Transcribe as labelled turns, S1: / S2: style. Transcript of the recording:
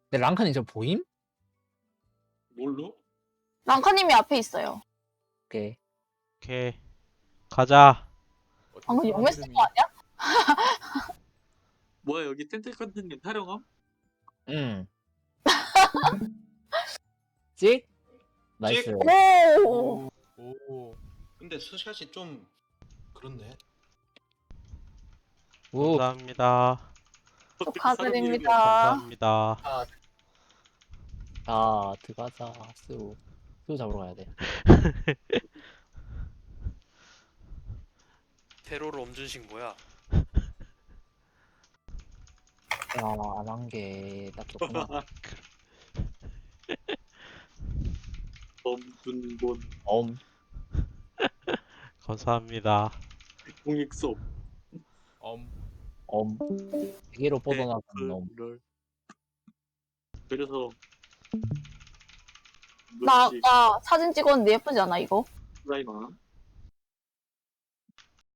S1: 내 랑칸이 저 보임?
S2: 뭘로?
S3: 랑카님이 앞에 있어요.
S1: 오케이.
S4: 오케이. 가자.
S3: 방금 영매 쓴 거 아니야?
S2: 뭐야 여기 텐트 컨텐츠 타령함?
S1: 응. 찍? 나이스.
S3: 오.
S5: 오. 근데 스샷이 좀 그렇네.
S1: 오.
S4: 감사합니다.
S3: 축하드립니다.
S4: 감사합니다.
S1: 자, 들어가자. 스우. 스우 잡으러 가야 돼.
S6: 테러로 엄준식 뭐야?
S1: 안 한 게 딱 좋구나.
S2: 엄준본
S1: 엄.
S4: 감사합니다.
S2: 공익섭
S1: 엄. 세계로 뻗어나간 엄.
S2: 롤. 그래서
S3: 나
S2: 몇시
S3: 아까 사진 찍었는데 예쁘지 않아 이거?
S2: 라이나